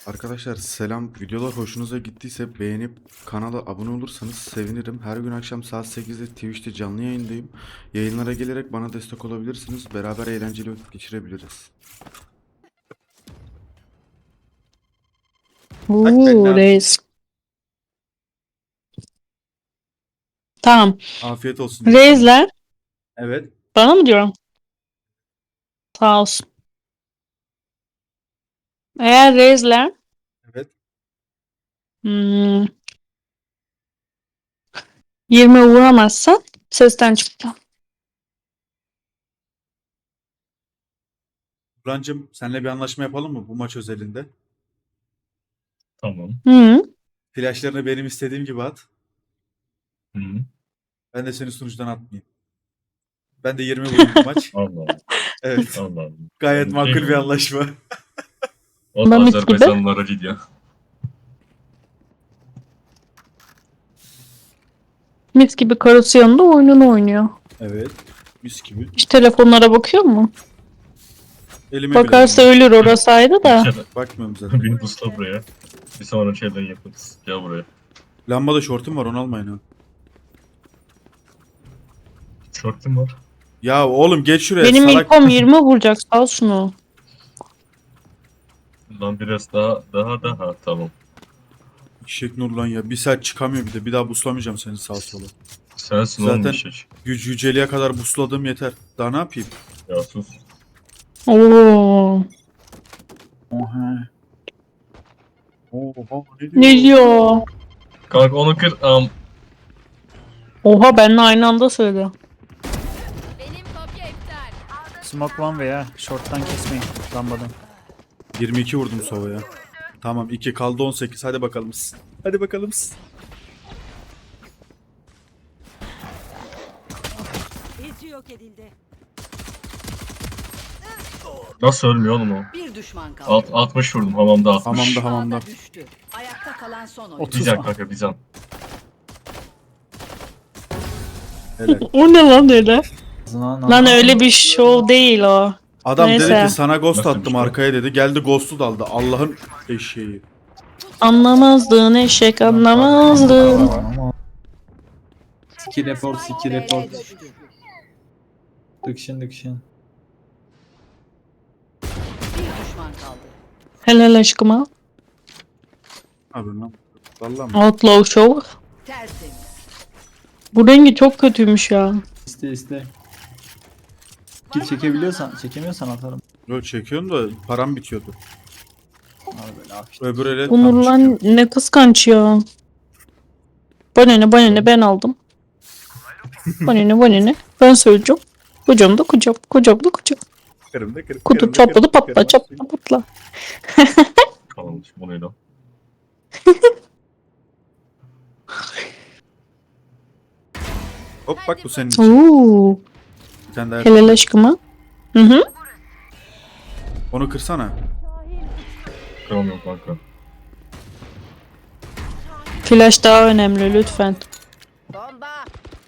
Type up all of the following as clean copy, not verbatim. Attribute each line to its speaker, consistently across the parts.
Speaker 1: Arkadaşlar selam. Videolar hoşunuza gittiyse beğenip kanala abone olursanız sevinirim. Her gün akşam saat 8'de Twitch'te canlı yayındayım. Yayınlara gelerek bana destek olabilirsiniz. Beraber eğlenceli vakit geçirebiliriz.
Speaker 2: Reis. Tamam.
Speaker 1: Afiyet olsun.
Speaker 2: Reisler.
Speaker 1: Evet.
Speaker 2: Bana mı diyorum? Sağ olsun. Eğer reisler
Speaker 1: Evet.
Speaker 2: hmm, 20 vuramazsan sesten çıktı.
Speaker 1: Burhan'cığım senle bir anlaşma yapalım mı bu maç özelinde?
Speaker 3: Tamam.
Speaker 2: Hı.
Speaker 1: Flashlarını benim istediğim gibi at.
Speaker 3: Hı.
Speaker 1: Ben de seni sunucudan atmayayım. Ben de 20 vurayım bu maç.
Speaker 3: Allah Allah.
Speaker 1: Evet.
Speaker 3: Allah Allah.
Speaker 1: Gayet
Speaker 3: Şey
Speaker 1: makul
Speaker 3: mi?
Speaker 1: bir anlaşma.
Speaker 3: O
Speaker 2: Mamit gibi.
Speaker 3: Azerbaycanlılara gidiyor.
Speaker 2: Mis gibi karısı yanında oyununu oynuyor.
Speaker 1: Evet. Mis gibi.
Speaker 2: Hiç telefonlara bakıyor mu?
Speaker 1: Elime
Speaker 2: Bakarsa
Speaker 1: bile
Speaker 2: ölür, orası ayrı da.
Speaker 1: bakmıyorum zaten.
Speaker 3: Beni busla buraya. Bir sonra şeyden yaparız. Gel buraya.
Speaker 1: Lambada şortum var, onu almayın ha.
Speaker 3: Şortum var.
Speaker 1: Ya oğlum geç şuraya
Speaker 2: Benim
Speaker 1: salak.
Speaker 2: ilkom 20 vuracak, sal şunu.
Speaker 3: Lan biraz daha. Tamam.
Speaker 1: Eşek Nurlan ya. Bir saat çıkamıyor bir de. Bir daha buslamayacağım seni sağa sola.
Speaker 3: Sensin
Speaker 1: Zaten-
Speaker 3: oğlum eşek.
Speaker 1: Yüceliğe kadar busladığım yeter. Daha ne yapayım?
Speaker 3: Ya sus.
Speaker 2: Oo.
Speaker 1: Oha. Oha ne diyor?
Speaker 2: Ne diyor?
Speaker 3: Kanka onu kır.
Speaker 2: Oha, benimle aynı anda söyledi.
Speaker 4: Benim kopya iptal.
Speaker 5: Smoke one veya short'tan kesmeyin lambadan.
Speaker 1: 22 vurdum sovaya. Tamam 2 kaldı 18. Hadi bakalım. Hadi bakalım.
Speaker 4: İzci yok edildi.
Speaker 3: Nasıl ölmüyor oğlum o?
Speaker 4: Bir düşman kaldı.
Speaker 3: 60 vurdum hamamda 60.
Speaker 1: Hamamda hamamda.
Speaker 4: Ağda düştü. Ayakta kalan son oyun.
Speaker 5: 30.
Speaker 3: Bizan kanka bizan.
Speaker 1: Helal.
Speaker 2: O ne lan öyle? Lan öyle bir şov değil o.
Speaker 1: Adam
Speaker 2: Neyse.
Speaker 1: dedi ki sana ghost
Speaker 3: Nasıl bir
Speaker 1: attım
Speaker 3: şey?
Speaker 1: arkaya dedi. Geldi ghost'u daldı. Allah'ın eşeği.
Speaker 2: Anlamazdın eşek, anlamazdın.
Speaker 6: Ski report, ski
Speaker 4: B'ye
Speaker 6: report.
Speaker 4: düştü.
Speaker 6: Dıkşın.
Speaker 4: Bir düşman kaldı.
Speaker 2: Helal aşkıma.
Speaker 1: Abi lan. Vallahi mı?
Speaker 2: Outlaw Show.
Speaker 4: Tertemiz.
Speaker 2: Bu rengi çok kötüymüş ya.
Speaker 6: İste. Kill çekemiyorsan atarım.
Speaker 1: Yo çekiyorsun da param bitiyordu.
Speaker 6: Abi böyle hafif.
Speaker 1: Öbür ele
Speaker 2: Onur
Speaker 1: tam
Speaker 2: lan
Speaker 1: çıkıyor.
Speaker 2: ne kıskanç ya. Bana ne ben aldım. Bana ne. Ben söyleyeceğim. Kocam da kocam. Kocam da kocam.
Speaker 1: Kırım da kırım.
Speaker 2: Kutu
Speaker 1: kırım da
Speaker 2: çatladı
Speaker 1: kırım,
Speaker 2: patla
Speaker 1: kırım.
Speaker 2: çatla patla.
Speaker 3: Kalmış bu neydi o?
Speaker 1: Hop bak bu senin için.
Speaker 2: Oo,
Speaker 1: Bir tane daha.
Speaker 2: helal aşkıma. Hı.
Speaker 1: Onu kırsana.
Speaker 3: Kıramıyorum kanka.
Speaker 2: Flash daha önemli lütfen.
Speaker 4: Bomba.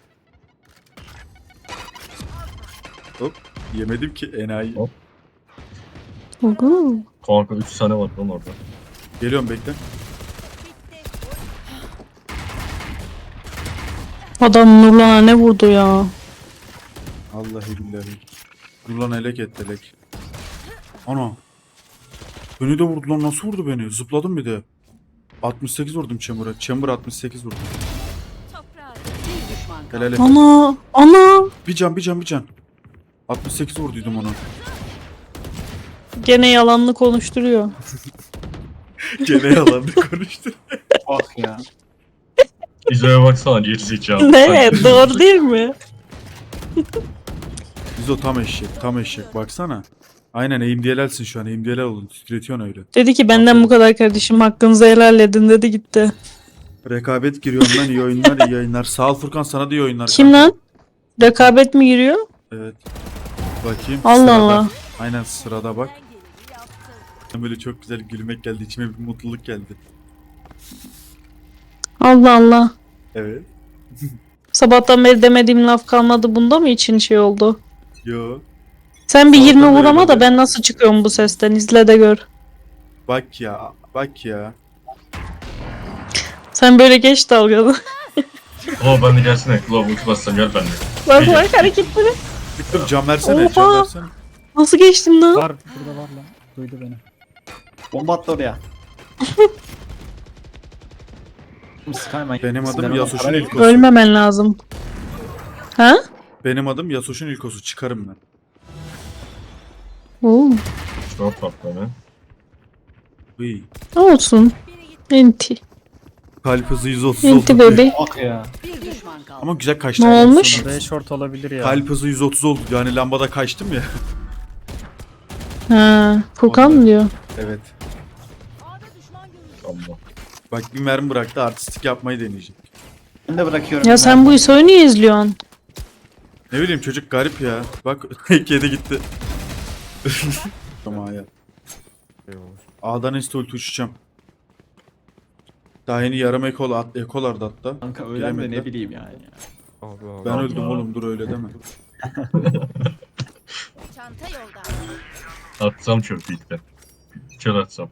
Speaker 1: Hop. Yemedim ki enayi.
Speaker 3: Hop.
Speaker 2: Oo.
Speaker 3: Kanka 3 tane var lan orada.
Speaker 1: Geliyorum bekle.
Speaker 2: Adam Nurlan'a ne vurdu ya?
Speaker 1: Vallahi billahi. Dur lan elek et elek. Ana. Beni de vurdu lan, nasıl vurdu beni? Zıpladım bir de. 68 vurdum Chamber'a. Chamber 68 vurdum.
Speaker 4: Toprağa. Bir düşman kaldı.
Speaker 1: Helal et.
Speaker 2: Ana.
Speaker 1: Bir can. 68 vurduydum ona.
Speaker 2: Gene yalanlı konuşturuyor.
Speaker 1: Gene yalandı konuştu.
Speaker 6: Bak ya.
Speaker 3: İzo'ya baksana gerizekalı.
Speaker 2: Ne? Doğru değil mi?
Speaker 1: Biz o tam eşek baksana. Aynen eğimdiyelersin şu an, eğimdiyeler olun, titretiyorsun öyle.
Speaker 2: Dedi ki benden bu kadar kardeşim, hakkınızı helal edin dedi gitti.
Speaker 1: Rekabet giriyor ondan, iyi oyunlar iyi yayınlar. Sağ ol Furkan, sana da iyi oyunlar.
Speaker 2: Kim
Speaker 1: kanka.
Speaker 2: lan? Rekabet mi giriyor?
Speaker 1: Evet. Bakayım.
Speaker 2: Allah
Speaker 1: sırada.
Speaker 2: Allah.
Speaker 1: Aynen sırada bak. Böyle çok güzel gülmek geldi, içime bir mutluluk geldi.
Speaker 2: Allah Allah.
Speaker 1: Evet.
Speaker 2: Sabahtan beri demediğim laf kalmadı, bunda mı için şey oldu?
Speaker 1: Yo.
Speaker 2: Sen bir
Speaker 1: Sabahtan
Speaker 2: 20
Speaker 1: beri
Speaker 2: vurama da
Speaker 1: böyle.
Speaker 2: ben nasıl çıkıyorum bu sesten, izle de gör.
Speaker 1: Bak ya. Bak ya.
Speaker 2: Sen böyle geç dalgalı.
Speaker 3: Claw ben de gelsene. Claw ulti bassam gel benimle.
Speaker 2: Bak bak hareketleri.
Speaker 1: Victor can versene, can
Speaker 2: Oha!
Speaker 1: versene.
Speaker 2: Nasıl geçtin lan?
Speaker 5: Var burada var lan. Duydu beni.
Speaker 6: Bomba attı oraya. Skyman.
Speaker 1: Benim adım
Speaker 6: Sizden
Speaker 1: Yasuo'nun
Speaker 6: ona
Speaker 1: ilkosu.
Speaker 2: Ölmemen lazım. Ha?
Speaker 1: Benim adım Yasuo'nun ilkosu. Çıkarım ben.
Speaker 2: Oo.
Speaker 3: Çok tatlı ne?
Speaker 1: Uy.
Speaker 2: Ne olsun? Enti.
Speaker 1: Kalp hızı 130
Speaker 2: Enti
Speaker 1: oldu.
Speaker 2: bebe.
Speaker 6: Bak ya.
Speaker 4: Bir düşman kaldı.
Speaker 1: Ama güzel kaçtı.
Speaker 2: Ne olmuş?
Speaker 5: B short olabilir ya.
Speaker 1: Kalp hızı 130 oldu. Yani lambada kaçtım ya.
Speaker 2: Ha, Furkan mı diyor?
Speaker 1: Evet.
Speaker 3: Allah.
Speaker 1: Bak bir mermi bıraktı, artistik yapmayı deneyecek.
Speaker 6: Ben de bırakıyorum.
Speaker 2: Ya sen bu ISO'yu niye izliyorsun?
Speaker 1: Ne bileyim çocuk garip ya. Bak kedi gitti. Tamam ya. A'dan insta ulti uçacağım. Daha yeni yarım ekolardı hatta.
Speaker 6: Kanka ölen de
Speaker 1: Giremediler.
Speaker 6: ne bileyim yani.
Speaker 1: Ben öldüm oğlum, dur öyle deme.
Speaker 4: Çanta yolda.
Speaker 3: Atsam çöp ilkten. Çöl atsam.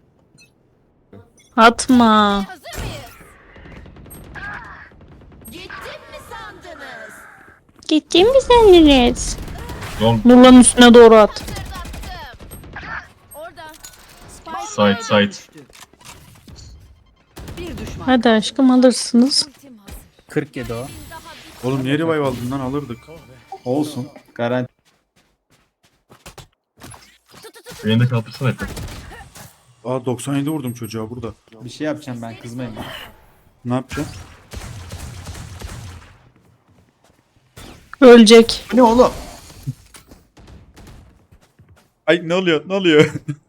Speaker 2: Atma.
Speaker 4: Hazır mıyız? Gittim mi sandınız?
Speaker 2: Gittin mi sendiniz?
Speaker 3: Long
Speaker 2: Nurlan'ın üstüne doğru at.
Speaker 4: Sırdattım. Orada.
Speaker 3: Side, side.
Speaker 4: düştü. Bir düşman.
Speaker 2: Hadi aşkım alırsınız.
Speaker 4: Ultim hazır.
Speaker 5: 47 o.
Speaker 1: Oğlum niye revive aldın lan, alırdık.
Speaker 6: Olsun. Garanti.
Speaker 3: beni de kaldırsana hep.
Speaker 1: Aa 97 vurdum çocuğa burada.
Speaker 6: Bir şey yapacağım ben, kızmayın bana.
Speaker 1: Ne yapacağım?
Speaker 2: Ölecek.
Speaker 6: Bu ne oğlum?
Speaker 1: Ay ne oluyor, ne oluyor?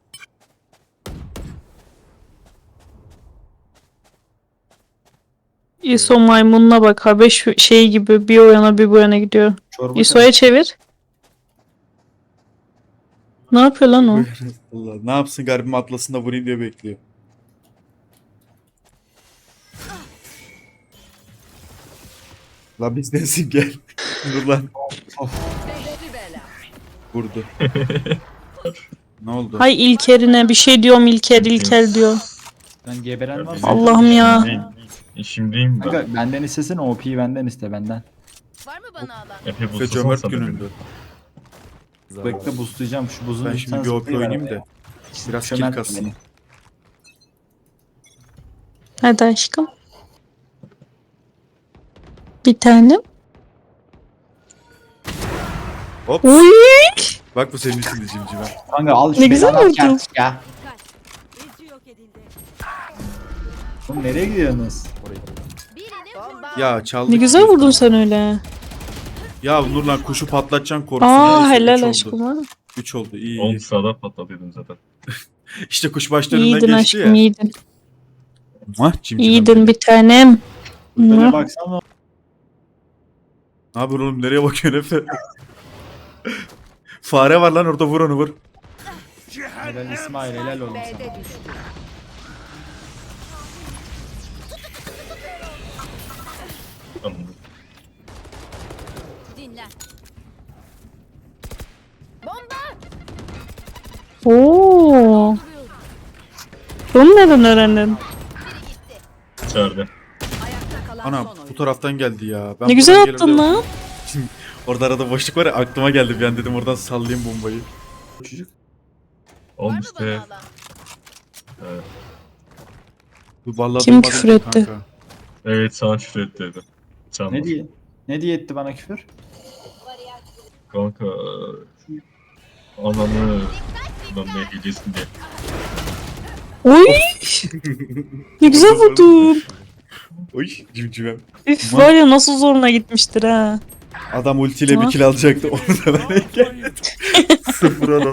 Speaker 2: ISO maymununa bak. Habeş şey gibi bir o yana bir bu yana gidiyor.
Speaker 6: Çorba
Speaker 2: ISO'ya çevir. Ne yapıyor lan o?
Speaker 1: Allah, ne yapsın garibim, atlasında vurayım diye bekliyor. La bizdensin gel. Dur lan.
Speaker 4: Beşli bela.
Speaker 1: Vurdu. Ne oldu?
Speaker 2: Hay İlker'ine bir şey diyorum İlker diyor.
Speaker 6: Ben geberen var mı?
Speaker 2: Allah'ım ya.
Speaker 3: Şimdiyim ben.
Speaker 6: Kanka benden istesene, OP'yi benden iste benden.
Speaker 4: Var mı bana alan?
Speaker 3: Efe
Speaker 1: Ve
Speaker 3: bulsana
Speaker 1: cömert
Speaker 3: sana
Speaker 1: günündü.
Speaker 3: beni.
Speaker 6: Bekle boostlayacağım şu buzun
Speaker 1: Ben
Speaker 6: bir
Speaker 1: şimdi
Speaker 6: tane
Speaker 1: bir OP
Speaker 6: zıplayıver
Speaker 1: oynayayım
Speaker 6: araya.
Speaker 1: da. Biraz kill
Speaker 6: Çömert
Speaker 1: kassın.
Speaker 6: beni.
Speaker 2: Hadi aşkım. Bir tane.
Speaker 1: Hop.
Speaker 2: Uy!
Speaker 1: Bak bu senin için de cimcime.
Speaker 6: Kanka al şu
Speaker 2: Ne güzel
Speaker 6: belanı
Speaker 2: vurdun.
Speaker 6: kert ya.
Speaker 4: İzci yok edildi.
Speaker 6: Oğlum nereye gidiyorsunuz?
Speaker 4: Birini bomba.
Speaker 1: Ya çaldık.
Speaker 2: Ne güzel vurdun sen öyle.
Speaker 1: Ya Nurlan kuşu patlatacaksın korkusuna.
Speaker 2: Aa
Speaker 1: neyse,
Speaker 2: helal
Speaker 1: üç oldu.
Speaker 2: aşkım ha.
Speaker 1: 3 oldu, iyi
Speaker 3: Oğlum
Speaker 1: iyi.
Speaker 3: sağdan patlatıyordun zaten.
Speaker 1: İşte kuş başlarından
Speaker 2: İyiydin
Speaker 1: geçti ya.
Speaker 2: aşkım iyiydin.
Speaker 1: Mah cimcimem.
Speaker 2: İyiydin bir tanem.
Speaker 6: Böyle
Speaker 2: Mua.
Speaker 6: baksana.
Speaker 1: Ne yapıyorsun oğlum, nereye bakıyorsun Efe? Fare var lan orada, vur onu vur.
Speaker 6: Helal İsmail, helal olsun sana.
Speaker 4: B'de düştü.
Speaker 3: Anladım.
Speaker 4: Dinlen. Bomba.
Speaker 2: Oo. Bunu nereden öğrendin?
Speaker 3: İçeride.
Speaker 4: Ayakta kalan
Speaker 1: Ana
Speaker 4: son oyun.
Speaker 1: bu taraftan geldi ya. Ben
Speaker 2: Ne güzel
Speaker 1: buradan
Speaker 2: attın
Speaker 1: gelirdim.
Speaker 2: lan.
Speaker 1: Orada arada boşluk var ya, aklıma geldi bir an, dedim oradan sallayayım bombayı.
Speaker 6: Çocuk.
Speaker 4: Var
Speaker 3: Oğlum
Speaker 4: mı
Speaker 3: işte.
Speaker 4: bana alan?
Speaker 1: Bu vallahi
Speaker 2: Kim
Speaker 1: duymadım
Speaker 2: küfür
Speaker 1: ki
Speaker 2: etti?
Speaker 1: kanka.
Speaker 3: Evet sana küfür etti dedi. Canım.
Speaker 6: Ne diye? Ne diye etti bana küfür?
Speaker 3: Kanka. Ananı. Lan ne hediyesin diye.
Speaker 2: Oy. Ne güzel vurdun.
Speaker 1: Oy cimcimem.
Speaker 2: Üf var ya nasıl zoruna gitmiştir ha.
Speaker 1: Adam ultiyle bir
Speaker 2: Tamam.
Speaker 1: kill alacaktı. Onu da ben engelledim. 0 oldu.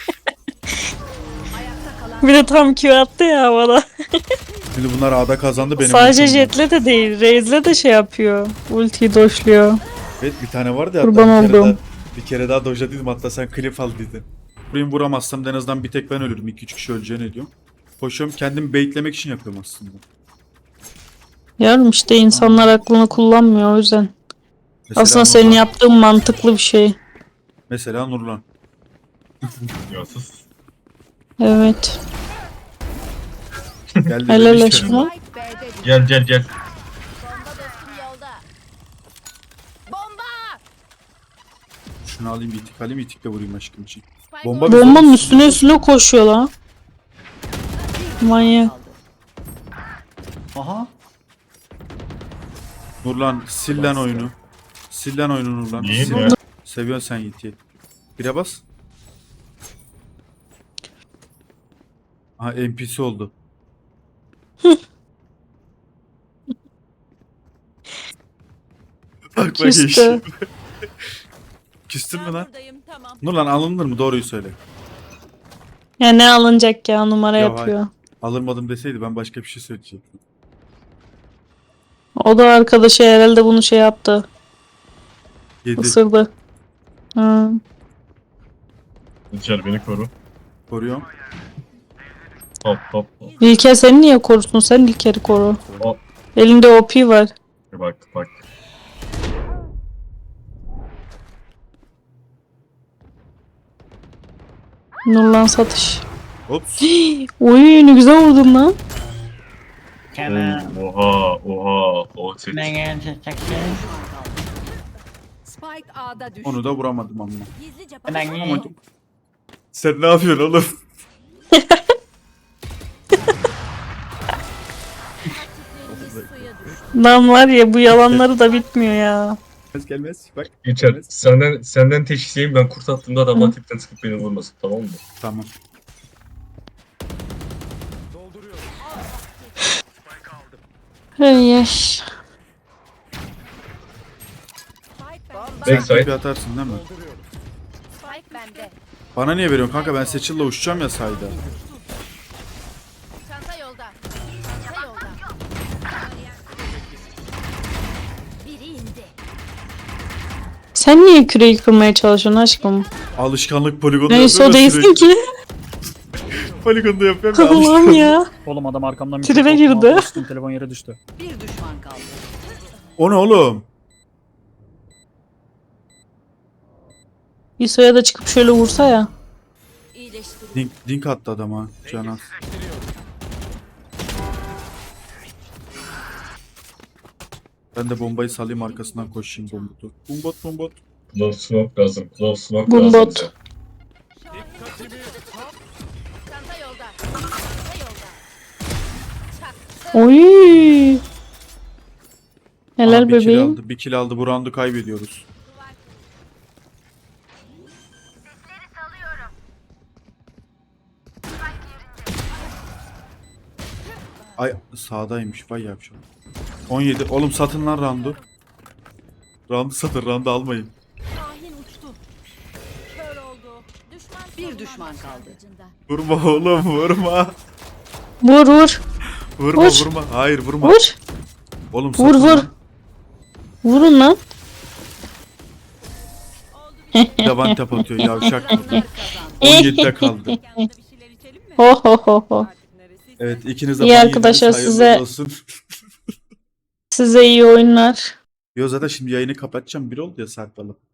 Speaker 4: Ayakta kalan
Speaker 2: Bir de tam Q attı ya havada.
Speaker 1: Şimdi bunlar A'da kazandı benim.
Speaker 2: Sadece
Speaker 1: ultim var.
Speaker 2: Jet'le de değil. Raze'le de şey yapıyor. Ultiyi doşluyor.
Speaker 1: Evet bir tane vardı ya,
Speaker 2: Kurban
Speaker 1: hatta
Speaker 2: oldum.
Speaker 1: bir kere daha dojladıydım, hatta sen klip al dedin. Burayı vuramazsam en azından bir tek ben ölürüm. 2-3 kişi öleceğini diyorum. Koşuyorum, kendimi baitlemek için yapıyorum aslında.
Speaker 2: Yavrum işte insanlar aklını kullanmıyor o yüzden.
Speaker 1: Mesela
Speaker 2: Aslında senin
Speaker 1: Nurlan.
Speaker 2: yaptığın mantıklı bir şey.
Speaker 1: Mesela Nurlan.
Speaker 3: Ya sus.
Speaker 2: Evet.
Speaker 1: Geldi
Speaker 2: Helal
Speaker 1: bebişim.
Speaker 2: aşkına.
Speaker 4: Spike B'de düştü.
Speaker 3: Gel gel gel.
Speaker 4: Bomba dostum yolda. Bomba!
Speaker 1: Şunu alayım itik alayım itikle vurayım aşkım için.
Speaker 4: Spike
Speaker 1: Bomba
Speaker 4: orada.
Speaker 2: Bombanın üstüne koşuyor lan. Manyak.
Speaker 6: Aha.
Speaker 1: Nurlan sil lan oyunu. Sil lan oyunu Nurlan.
Speaker 3: Niye
Speaker 1: Sil.
Speaker 3: ya?
Speaker 1: Seviyorsun sen Yiğit'i. Bire bas. Aha NPC oldu. Bak
Speaker 2: Küstü.
Speaker 1: eşim. Küstün mü lan?
Speaker 4: Buradayım, tamam.
Speaker 1: Nurlan alınır mı? Doğruyu söyle.
Speaker 2: Ya ne alınacak ya, numara
Speaker 1: Ya
Speaker 2: yapıyor.
Speaker 1: Alınmadım deseydi ben başka bir şey söyleyecektim.
Speaker 2: O da arkadaşı herhalde bunu şey yaptı.
Speaker 1: 7.
Speaker 2: Isırdı. Hı.
Speaker 3: İlker beni koru.
Speaker 1: Koruyorum.
Speaker 3: Hop hop hop.
Speaker 2: İlker seni niye korusun? Sen İlker'i koru.
Speaker 3: Hop.
Speaker 2: Elinde OP var.
Speaker 3: Bak bak.
Speaker 2: Nurlan satış.
Speaker 1: Ops.
Speaker 2: Oy ne güzel vurdun lan.
Speaker 3: Oha oha. O set.
Speaker 4: Spike A'da düştü.
Speaker 1: Onu da vuramadım ama.
Speaker 4: Gizlice
Speaker 1: Sen ne yapıyorsun oğlum?
Speaker 2: Lan var ya, bu yalanları da bitmiyor ya.
Speaker 1: Gelmez. Bak.
Speaker 3: İlker senden teşhisiyim, ben kurt attığımda adamlar tipten sıkıp beni vurmasın, tamam mı?
Speaker 1: Tamam.
Speaker 2: Hey yaş.
Speaker 1: Sen
Speaker 3: Backside.
Speaker 1: tipi atarsın değil mi?
Speaker 4: Spike bende.
Speaker 1: Bana niye veriyorsun kanka? Ben Seçil'le uçacağım ya sayda.
Speaker 4: Çanta yolda. Çanta yolda. Biri indi.
Speaker 2: Sen niye küreyi kırmaya çalışıyorsun aşkım?
Speaker 1: Alışkanlık poligonda
Speaker 2: Neyse o
Speaker 1: yapıyorum
Speaker 2: değilsin ki.
Speaker 1: Poligonda yapıyorum ya
Speaker 2: Allah'ım
Speaker 1: alışkanlık.
Speaker 2: ya.
Speaker 5: Oğlum adam arkamdan
Speaker 2: Tribe
Speaker 5: mikrofon
Speaker 2: girdi.
Speaker 5: bastım, telefon yere düştü.
Speaker 4: Bir düşman kaldı.
Speaker 1: O ne oğlum?
Speaker 2: İso'ya da çıkıp şöyle vursa ya.
Speaker 4: İyileştirin.
Speaker 1: Dink attı adama. Canan. Ben de bombayı salayım arkasından koşayım bombotu. Bombot.
Speaker 3: Close smoke lazım. Close smoke
Speaker 2: Bombot.
Speaker 3: lazım bize.
Speaker 4: Çanta yolda. Çanta yolda. Çak.
Speaker 2: Oy. Helal
Speaker 1: Aa, bir kill
Speaker 2: bebeğim.
Speaker 1: aldı. Bir kill aldı. Bu roundu kaybediyoruz. Ay sağdaymış. Vay yapacağım. 17. Oğlum satın lan roundu. Roundu satın. Roundu almayın.
Speaker 4: Kahin uçtu. Kör oldu. Bir düşman kaldı.
Speaker 1: Vurma oğlum vurma.
Speaker 2: Vur vur.
Speaker 1: Vurma
Speaker 2: Vur.
Speaker 1: vurma. Hayır vurma.
Speaker 2: Vur.
Speaker 1: Oğlum
Speaker 2: Vur
Speaker 1: satın
Speaker 2: vur.
Speaker 1: lan.
Speaker 2: Vurun lan.
Speaker 1: Yaban tap atıyor yavşak. 17'de kaldı.
Speaker 2: Ho ho ho ho.
Speaker 1: Evet ikiniz de
Speaker 2: İyi
Speaker 1: ban
Speaker 2: arkadaşlar,
Speaker 1: yediniz, hayırlı
Speaker 2: size-
Speaker 1: olsun.
Speaker 2: Size iyi oyunlar.
Speaker 1: Yo zaten şimdi yayını kapatacağım. Bir oldu ya Sarp alıp.